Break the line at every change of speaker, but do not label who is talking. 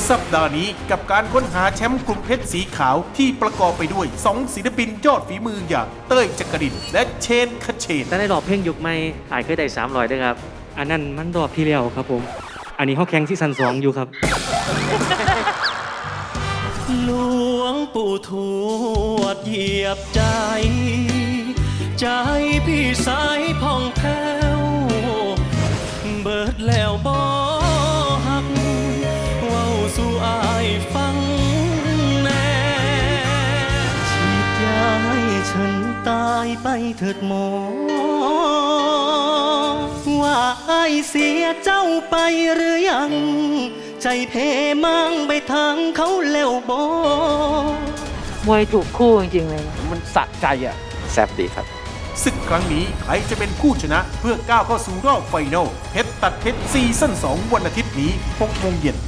สัปดาห์นี้กับการค้นหาแชมป์กลุ่มเพชรสีขาวที่ประกอบไปด้วย2ศิลปินยอดฝีมืออย่างเต้ยจักรินและเชนคเชน
แต่ในรอบเพลงยุคใหม่อายเคยได้300ด้วยครับอันนั้นมันรอบที่แล้วครับผมอันนี้เขาแข่งที่ซัน2อยู่ครับ
หลวงปู่ทวดเหยียบใจ ใจพี่สายผ่องแผ้วเบิดแล้วบ่หักเว้าสู่อายฟังแน่ฉีดยาให้ฉันตายไปเถิดหมอว่าอายเสียเจ้าไปหรือยังใจเพมั่งไปทางเขาแล้วบ่
มวยถูกคู่จริงๆเลย
มันสะใจอ่ะแซ่บดีครับ
ศึกครั้งนี้ใครจะเป็นผู้ชนะเพื่อก้าวเข้าสู่รอบไฟนอลเพชรตัดเพชรซีซั่น2วันอาทิตย์นี้6 โมงเย็น